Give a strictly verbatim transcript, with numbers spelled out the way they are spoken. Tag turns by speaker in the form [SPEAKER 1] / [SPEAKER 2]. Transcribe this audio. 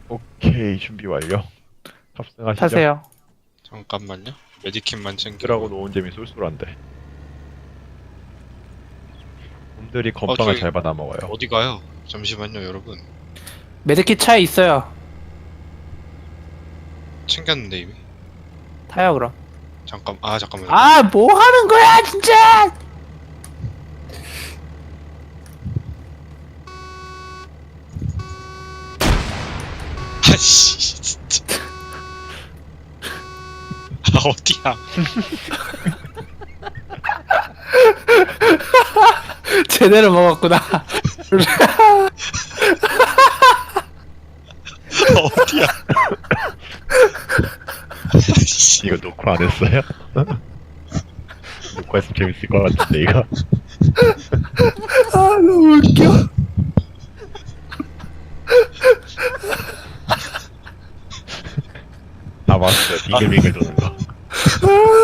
[SPEAKER 1] 오케이, 준비 완료. 탑승하시죠.
[SPEAKER 2] 타세요.
[SPEAKER 3] 잠깐만요. 메디킷만 챙기고.
[SPEAKER 1] 그러고 노은 재미 쏠쏠한데. 놈들이 건빵을
[SPEAKER 3] 저기-
[SPEAKER 1] 잘 받아 먹어요.
[SPEAKER 3] 어디 가요? 잠시만요, 여러분.
[SPEAKER 2] 메드킷 차에 있어요.
[SPEAKER 3] 챙겼는데 이미.
[SPEAKER 2] 타요 그럼.
[SPEAKER 3] 잠깐. 아 잠깐만요.
[SPEAKER 2] 아 뭐 하는 거야 진짜.
[SPEAKER 3] 아씨 진짜. 아 어디야?
[SPEAKER 2] 제대로 먹었구나.
[SPEAKER 3] 어디야? 아씨.
[SPEAKER 1] 이거 녹화 안 했어요? 녹화했으면 재밌을 것 같은데, 이거.
[SPEAKER 2] 아 너무 웃겨.
[SPEAKER 1] 아, 맞았어요. 빙글빙글 도는 거.
[SPEAKER 2] 아